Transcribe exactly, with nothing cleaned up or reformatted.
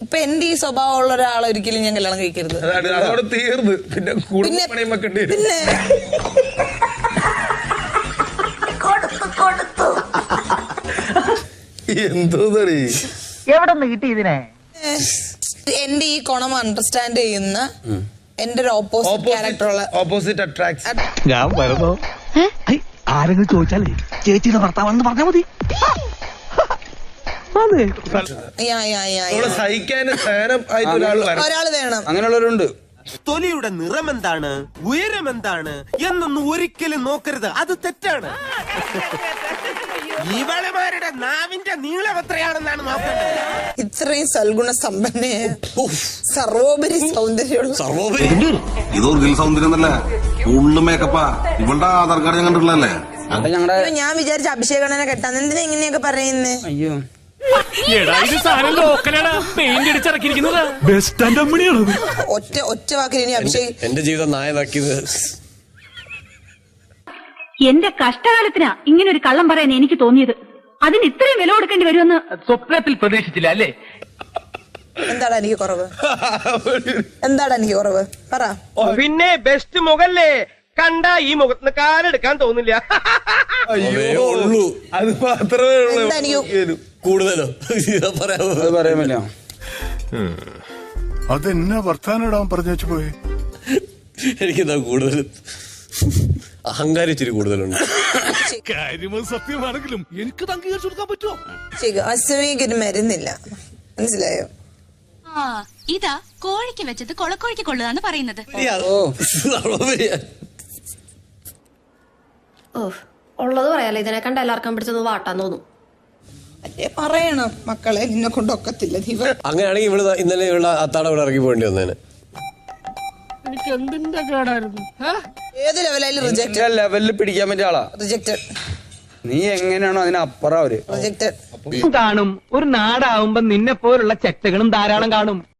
ഇപ്പൊ എന്റെ ഈ സ്വഭാവമുള്ള ഒരാളെ ഒരിക്കലും ഞാൻ കല്യാണം കഴിക്കരുത്. അതോടെ തീർന്ന്. പിന്നെ കൂടുതൽ പണിയും വെക്കേണ്ടി വരും. പിന്നെ എന്തോ എവിടെ നിന്ന് കിട്ടി ഇതിനെ? എന്റെ ഈ ഗുണം അണ്ടർസ്റ്റാൻഡ് ചെയ്യുന്ന എന്റെ ഒരു ഓപ്പോസിറ്റ് ക്യാരക്ടറുള്ള ഓപ്പോസിറ്റ് അട്രാക്ഷൻ. ഞാൻ വരുന്നോ? ആരെങ്കിലും ചോദിച്ചാലേ ചേച്ചിയുടെ ഭർത്താവാണെന്ന് പറഞ്ഞാൽ മതി. സഹിക്കാൻ ആയിട്ട് ഒരാൾ വേണം. അങ്ങനെയുള്ളവരുണ്ട്. തൊലിയുടെ നിറം എന്താണ്, ഉയരം എന്താണ് എന്നൊന്നും ഒരിക്കലും നോക്കരുത്, അത് തെറ്റാണ്. ഇവളുമാരുടെ നാവിന്റെ നീളം എത്രയാണെന്നാണ് നോക്കേണ്ടത്. ഇത്രയും സൽഗുണ സമ്പന്നയെ സർവോപരി സൗന്ദര്യമുള്ള ഇതൊരു സൗന്ദര്യം തന്നെ ഫുള്ള് മേക്കപ്പാ. ഇവളുടെ ആധാർ കാർഡ് ഞാൻ കണ്ടിട്ടുള്ളല്ലേ. ഞാൻ വിചാരിച്ച അഭിഷേകണ്ണനെ കെട്ടാൻ എന്തിനാ ഇങ്ങനെയൊക്കെ പറയുന്നേ? അയ്യോ ഒറ്റ ഒറ്റ വാക്കിൽ ഇനി അഭിഷേക് എന്റെ ജീവിതം നായനാക്കിയത്. എന്റെ കഷ്ടകാലത്തിനാ ഇങ്ങനെ ഒരു കള്ളം പറയാൻ എനിക്ക് തോന്നിയത്. അതിന് ഇത്രയും വില കൊടുക്കേണ്ടി വരുമെന്ന് സ്വപ്നത്തിൽ പ്രതീക്ഷിച്ചില്ല അല്ലേ? എന്താടാ എനിക്ക് കുറവ്? എന്താടാ എനിക്ക് കുറവ് പറ. പിന്നെ ബെസ്റ്റ് മുഖല്ലേ, കണ്ട ഈ മുഖത്തിന് കാലെടുക്കാൻ തോന്നില്ല. ഉള്ളൂ അത് മാത്രമേ എന്താ എനിക്ക് കൂടുതലോ പറയാമല്ലോ. അതെന്നാ വർത്താനം പറഞ്ഞു വെച്ചു പോയി. എനിക്കെന്താ കൂടുതൽ അഹങ്കാരം ഇച്ചിരി കൂടുതലുണ്ട്. കാര്യങ്ങൾ സത്യമാണെങ്കിലും എനിക്ക് അംഗീകരിച്ചു കൊടുക്കാൻ പറ്റുമോ? അസുഖിക്കൊരു മരുന്നില്ല, മനസ്സിലായോ? ഇതാ കോഴിക്ക് വെച്ചത് കൊളക്കോഴിക്ക് കൊള്ളുകയെന്ന് പറയുന്നത്. ഓ ഉള്ളത് പറയാലോ, ഇതിനെ കണ്ട എല്ലാവർക്കും പിടിച്ചത് വാട്ടാൻ തോന്നും. അല്ലേ പറയണം മക്കളെ, നിന്നെ കൊണ്ടൊക്കത്തില്ല. അങ്ങനെയാണെങ്കിൽ ഇവിടെ ഇന്നലെ ഇവിടെ അത്താടെ ഇവിടെ ഇറങ്ങി പോകേണ്ടി വന്നേനെ. ഏത് ലെവലായാലും റിജക്റ്റഡ്. ലെവലിൽ പിടിക്കാൻ പറ്റിയ ആളാ റിജക്റ്റഡ്. നീ എങ്ങനെയാണോ അതിനപ്പുറം അവര് റിജക്റ്റഡ് കാണും. ഒരു നാടാവുമ്പോ നിന്നെ പോലുള്ള ചെറ്റകളും ധാരാളം കാണും.